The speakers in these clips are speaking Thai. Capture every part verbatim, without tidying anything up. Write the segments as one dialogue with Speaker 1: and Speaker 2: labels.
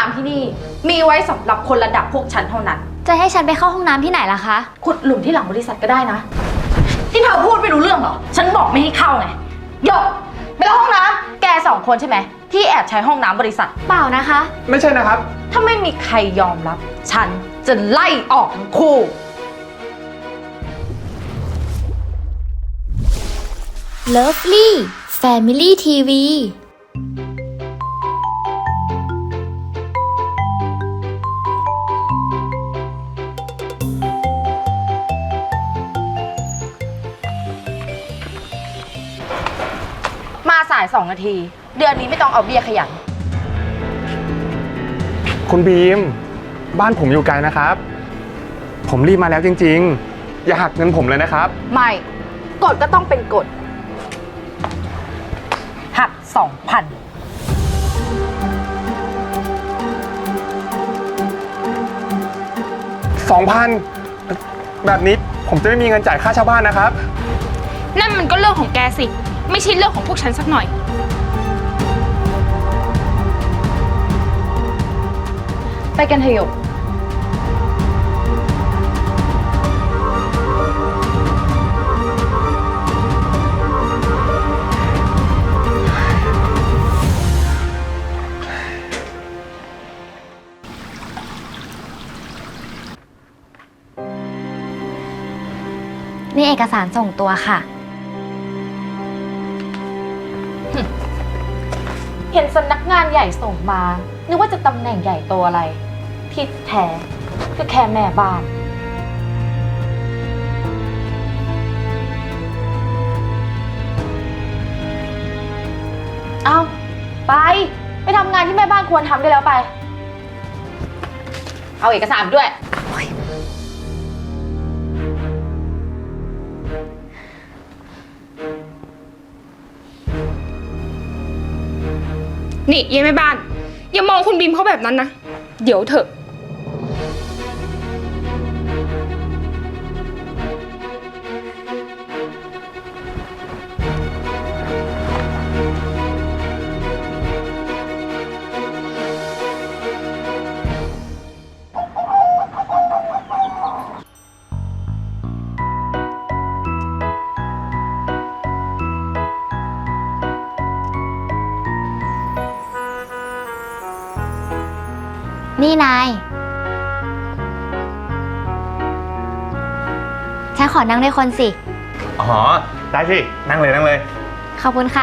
Speaker 1: ำที่นี่มีไว้สำหรับคนระดับพวกฉันเท่านั้น
Speaker 2: จะให้ฉันไปเข้าห้องน้ำที่ไหนล่ะคะ
Speaker 1: ขุดหลุมที่หลังบริษัทก็ได้นะที่เธอพูดไม่รู้เรื่องเหรอฉันบอกไม่ให้เข้าไงหยกไปเข้าห้องน้ำแกสองคนใช่ไหมที่แอบใช้ห้องน้ำบริษัท
Speaker 2: เปล่านะคะ
Speaker 3: ไม่ใช่นะครับ
Speaker 1: ถ้าไม่มีใครยอมรับฉันจะไล่ออกทั้งคู่
Speaker 2: Lovely Family ที วี
Speaker 1: มาสายสองนาทีเดือนนี้ไม่ต้องเอาเบี้ยขยัน
Speaker 3: คุณบีมบ้านผมอยู่ไกลนะครับผมรีบมาแล้วจริงๆอย่าหักเงินผมเลยนะครับ
Speaker 1: ไม่กฎก็ต้องเป็นกฎหักสองพัน
Speaker 3: สองพันแบบนี้ผมจะไม่มีเงินจ่ายค่าเช่าบ้านนะครับ
Speaker 4: นั่นมันก็เรื่องของแกสิไม่ใช่เรื่องของพวกฉันสักหน่อย
Speaker 1: ไปกันเถอะหยก
Speaker 2: นี่เอกสารส่งตัวค่ะ
Speaker 1: เห็นสำนักงานใหญ่ส่งมานึกว่าจะตำแหน่งใหญ่โตอะไรที่แท้ก็แค่แม่บ้านเอาไปไปทำงานที่แม่บ้านควรทำได้แล้วไปเอาเอกสารด้วย
Speaker 4: นี่ยายแม่บ้านอย่ามองคุณบีมเขาแบบนั้นนะเดี๋ยวเถอะ
Speaker 2: นี่นายฉันขอนั่งด้วยคนสิ
Speaker 3: อ๋อได้สินั่งเลยนั่งเลย
Speaker 2: ขอบคุณค่ะ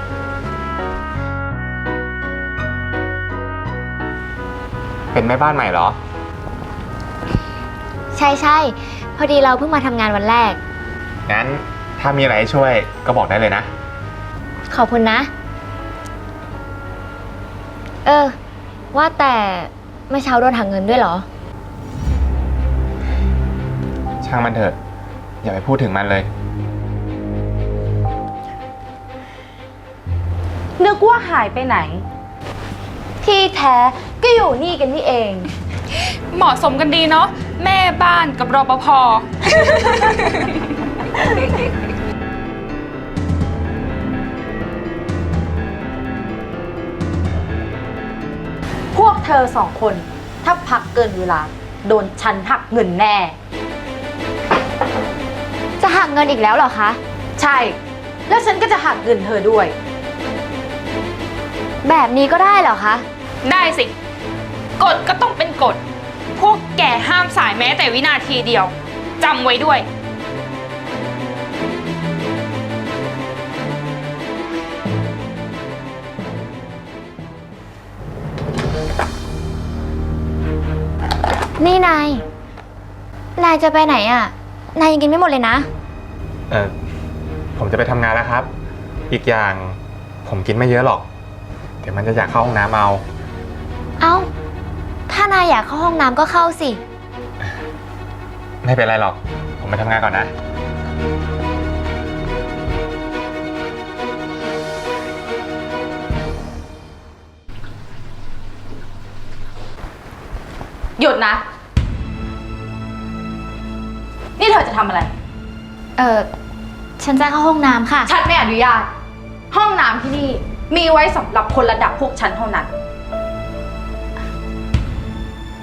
Speaker 3: เป็นแม่บ้านใหม่เหรอ
Speaker 2: ใช่ใช่พอดีเราเพิ่งมาทำงานวันแรก
Speaker 3: งั้นถ้ามีอะไรให้ช่วยก็บอกได้เลยนะ
Speaker 2: ขอบคุณนะเออว่าแต่เมื่อเช้าโดนหักเงินด้วยเหรอ
Speaker 3: ช่างมันเถอะอย่าไปพูดถึงมันเลย
Speaker 1: นึกว่าหายไปไหนที่แท้ก็อยู่นี่กันนี่เอง
Speaker 4: เหมาะสมกันดีเนาะแม่บ้านกับรปภ
Speaker 1: พวกเธอสองคนถ้าพักเกินเวลาโดนฉันหักเงินแน่
Speaker 2: จะหักเงินอีกแล้วเหรอคะ
Speaker 1: ใช่แล้วฉันก็จะหักเงินเธอด้วย
Speaker 2: แบบนี้ก็ได้เหรอคะ
Speaker 4: ได้สิกฎก็ต้องเป็นกฎพวกแกห้ามสายแม้แต่วินาทีเดียวจำไว้ด้วย
Speaker 2: นี่นายนายจะไปไหนอ่ะนายยังกินไม่หมดเลยนะ
Speaker 3: เออผมจะไปทำงานแล้วครับอีกอย่างผมกินไม่เยอะหรอกเดี๋ยวมันจะอยากเข้าห้องน้ำเอา
Speaker 2: เอ้าถ้านายอยากเข้าห้องน้ำก็เข้าสิ
Speaker 3: ไม่เป็นไรหรอกผมไปทำงานก่อนนะ
Speaker 1: หยุดนะนี่เธอจะทำอะไร
Speaker 2: เออฉันจะเข้าห้องน้ำค่ะ
Speaker 1: ฉันไม่อนุญาตห้องน้ำที่นี่มีไว้สำหรับคนระดับพวกฉันเท่านั้น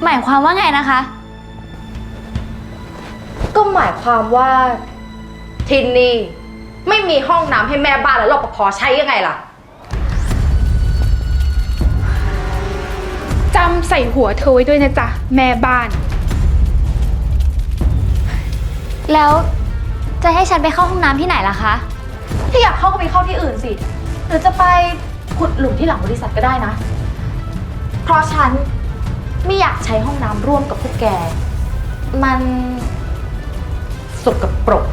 Speaker 2: หมายความว่าไงนะคะ
Speaker 1: ก็หมายความว่าที่นี่ไม่มีห้องน้ำให้แม่บ้านและรปภใช้ยังไงล่ะ
Speaker 4: จำใส่หัวเธอไว้ด้วยนะจ๊ะแม่บ้าน
Speaker 2: แล้วจะให้ฉันไปเข้าห้องน้ำที่ไหนล่ะคะ
Speaker 1: ถ้าอยากเข้าก็ไปเข้าที่อื่นสิ หรือจะไปขุดหลุมที่หลังบริษัทก็ได้นะ เพราะฉันไม่อยากใช้ห้องน้ำร่วมกับพวกแก มันสกปรก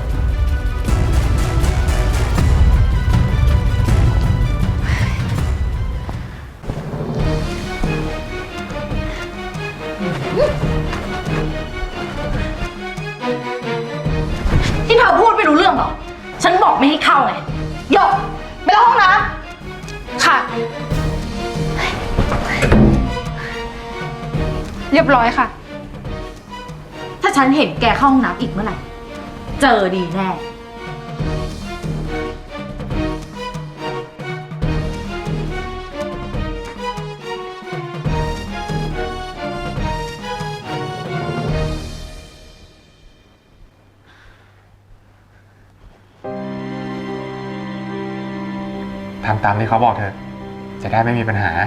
Speaker 1: ที่เธอพูดไม่รู้เรื่องหรอ ฉันบอกไม่ให้เข้าไงหยกไปเข้าห้องน้ำ
Speaker 4: ค่ะ เรียบร้อยค่ะ
Speaker 1: ถ้าฉันเห็นแกเข้าห้องน้ำอีกเมื่อไหร่ เจอดีแน่
Speaker 3: ทำตามที่เขาบอกเถอะ จะได้ไม่มีปัญหา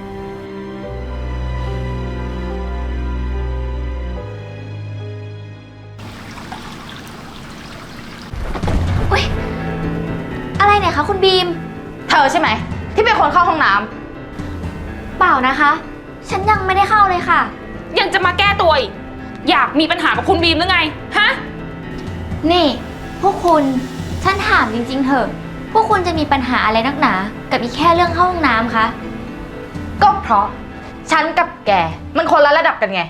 Speaker 2: อุ๊ย อะไรเนี่ยคะคุณบีม
Speaker 1: เธอใช่ไหม ที่เป็นคนเข้าห้องน้
Speaker 2: เปล่านะคะ ฉันยังไม่ได้เข้าเลยค่ะ
Speaker 4: ยังจะมาแก้ตัวอีกอยากมีปัญหากับคุณบีมหรือไง ฮะ
Speaker 2: นี่ พวกคุณ ฉันถามจริงๆเถอะ พวกคุณจะมีปัญหาอะไรนักหนา กับอีกแค่เรื่องเข้าห้องน้ำคะ
Speaker 1: ำก็เพราะ ฉันกับแก มันคนละระดับกันไง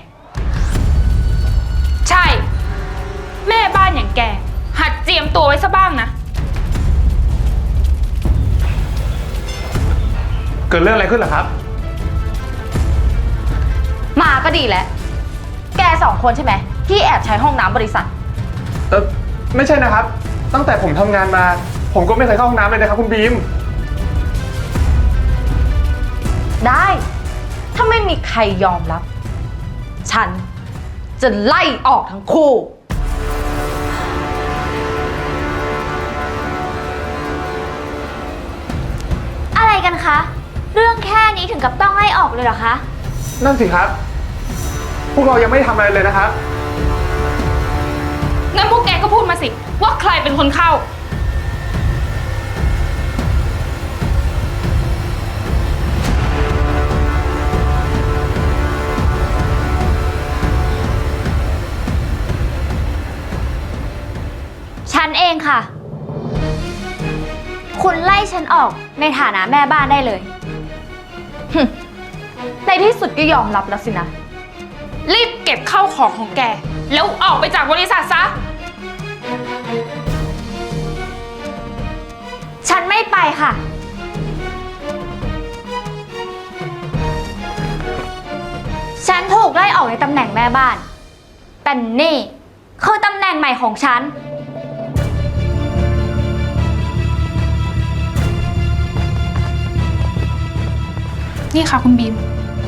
Speaker 4: ใช่ แม่บ้านอย่างแก หัดเจียมตัวไว้ซะบ้างนะ
Speaker 3: เกิดเรื่องอะไรขึ้นเหรอครับ
Speaker 1: มาก็ดีแล้ว แกสองคนใช่ไหม ที่แอบใช้ห้องน้ำบริษัท
Speaker 3: เออไม่ใช่นะครับ ตั้งแต่ผมทำงานมา ผมก็ไม่เคยเข้าห้องน้ำเลยนะครับคุณบีม
Speaker 1: ได้ ถ้าไม่มีใครยอมรับ ฉันจะไล่ออกทั้งคู่
Speaker 2: อะไรกันคะ เรื่องแค่นี้ถึงกับต้องไล่ออกเลยเหรอคะ
Speaker 3: นั่นสิครับ พวกเรายังไม่ได้ทำอะไรเลยนะครับ
Speaker 4: งั้นพวกแกก็พูดมาสิ ว่าใครเป็นคนเข้า
Speaker 2: ฉันเองค่ะ คุณไล่ฉันออกในฐานะแม่บ้านได้เลย
Speaker 1: ในที่สุดก็ยอมรับแล้วสินะ
Speaker 4: รีบเก็บเข้าของของแก แล้วออกไปจากบริษัทซะ
Speaker 2: ฉันไม่ไปค่ะ ฉันถูกไล่ออกในตำแหน่งแม่บ้าน แต่นี่คือตำแหน่งใหม่ของฉัน
Speaker 4: นี่ค่ะคุณบีม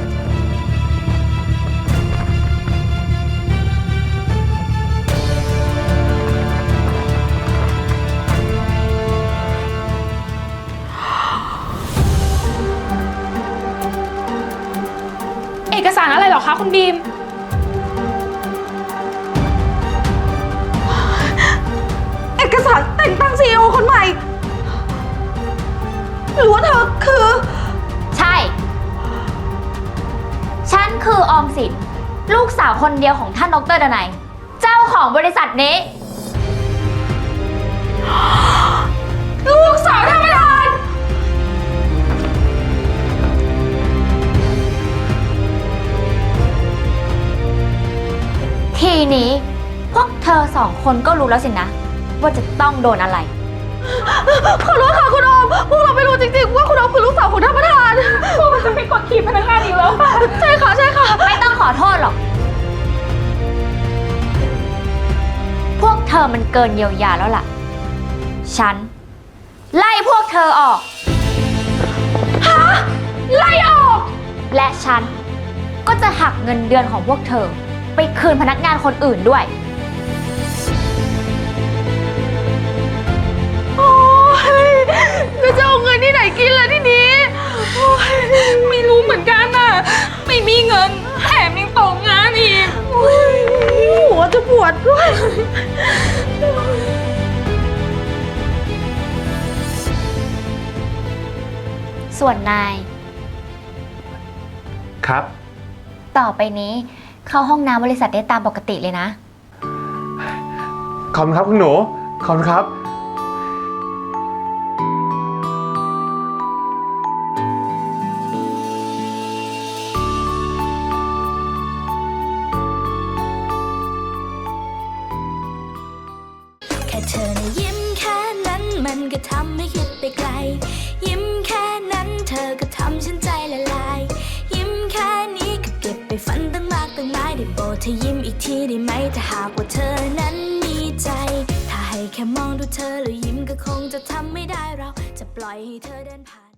Speaker 4: เอกสารอะไรเหรอคะคุณบีม
Speaker 1: เอกสารแต่งตั้งซีอีโอคนใหม่ หรือว่าเธอคือ
Speaker 2: ใช่ ฉันคือออมสิน ลูกสาวคนเดียวของท่านดรดนัย เจ้าของบริษัทนี้
Speaker 1: ลูกสาวท่านประธาน
Speaker 2: ทีนี้พวกเธอสองคนก็รู้แล้วสินะ ว่าจะต้องโดนอะไร
Speaker 1: ขอโทษค่ะคุณออม พวกเราไม่รู้จริงๆว่าคุณออมคือลูกสาวของท่านประธาน
Speaker 4: พวกมันจะไปกดขี่พนักงานอีกแล้วค่ะ
Speaker 1: ใช่ค่ะ ใช่ค่ะ
Speaker 2: ไม่ต้องขอโทษหรอก พวกเธอมันเกินเยียวยาแล้วล่ะ ฉัน ไล่พวกเธอออก
Speaker 4: ไล่ออก
Speaker 2: และฉันก็จะหักเงินเดือนของพวกเธอ ไปคืนพนักงานคนอื่นด้วย
Speaker 4: โอ้ยแล้วจะเอาเงินที่ไหนกินล่ะทีนี้โอ้ยไม่รู้เหมือนกันน่ะ ไม่มีเงินแถมยังตกงานอีกโอ้ยหัวจะปวดด้วย
Speaker 2: ส่วนนาย
Speaker 3: ครับ
Speaker 2: ต่อไปนี้เข้าห้องน้ำบริษัทได้ตามปกติเลยนะ
Speaker 3: ขอบคุณครับคุณหนู ขอบคุณครับ
Speaker 5: แค่เธอนะยิ้มแค่นั้นมันก็ทำให้คิดไปไกล ยิ้มแค่นั้นเธอก็ทำฉันใจละลาย ยิ้มแค่นี้ก็เก็บไปฝันตั้งมากตั้งหลายได้โปรดเธอยิ้มอีกทีได้ไหมถ้าหากว่าเธอนั้นมีใจ ถ้าให้แค่มองดูเธอแล้วยิ้มก็คงจะทำไม่ได้เราจะปล่อยให้เธอเดินผ่าน